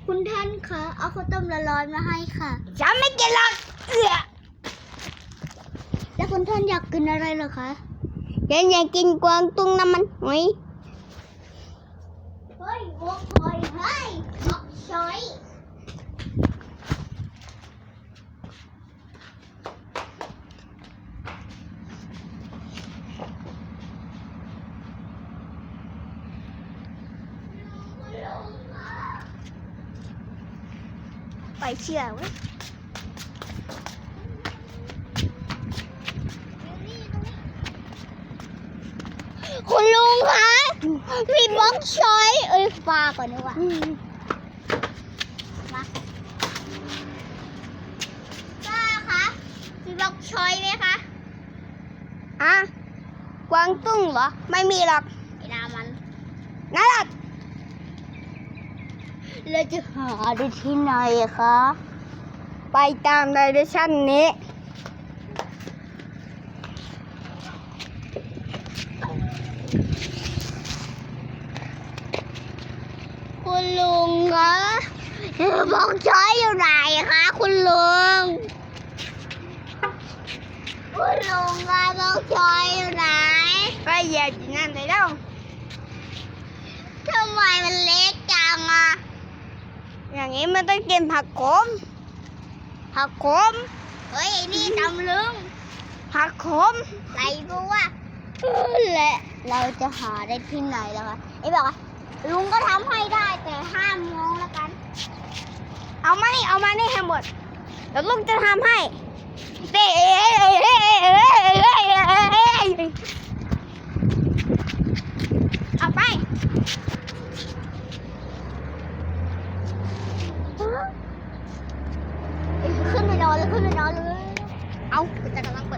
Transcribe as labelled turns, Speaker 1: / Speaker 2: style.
Speaker 1: คุณท่านคะเอาข้าวต้มร้อนๆมาให้ค่ะ
Speaker 2: ฉันไม่กินหรอก
Speaker 1: แล้วคุณท่านอยากกินอะไรเหรอคะ
Speaker 2: ฉันอยากกินกวางตุ้งน้ำมันหอย
Speaker 1: เฮ้ยโว้ยเฮ้ยบอกช้อย
Speaker 2: ไปเชื่อเว้ย
Speaker 1: คุณลุงคะมีบล็อกช้อยฟ้าก่อนดีกว่ามาป้าคะมีบล็อกช้อยไหมคะ
Speaker 2: อะกวางตุ้งเหรอไม่มีหรอก
Speaker 1: ไอ้นามัน
Speaker 2: นั่นแหละ
Speaker 1: เราจะหาได้ที่ไหนคะ
Speaker 2: ไปตามไดเรกชั่นนี้
Speaker 1: คุณลุงคะบล็อกช้อยอยู่ไหนคะคุณลุงคุณลุงคะบล็อกช้อยอยู่ไหน
Speaker 2: ไปเหยียบอยู่นั่นเลยแล้ว
Speaker 1: ทำไมมันเล็กจังอ่ะ
Speaker 2: อย่างนี้มันต้องกินผักขมผักขม
Speaker 1: เฮ้ยไอ้นี่ตำลึง
Speaker 2: ผักขม
Speaker 1: ไรบัวและเราจะหาได้ที่ไหนแล้วคะไอ้บอกว่าลุงก็ทำให้ได้แต่5 โมงแล้วกัน
Speaker 2: เอามานี่ให้หมดแล้วลุงจะทำให้เต้เอาไป
Speaker 1: ขึ้นไปนอนเลยขึ้นไปนอนเลย
Speaker 2: เอา
Speaker 1: จะกำลัง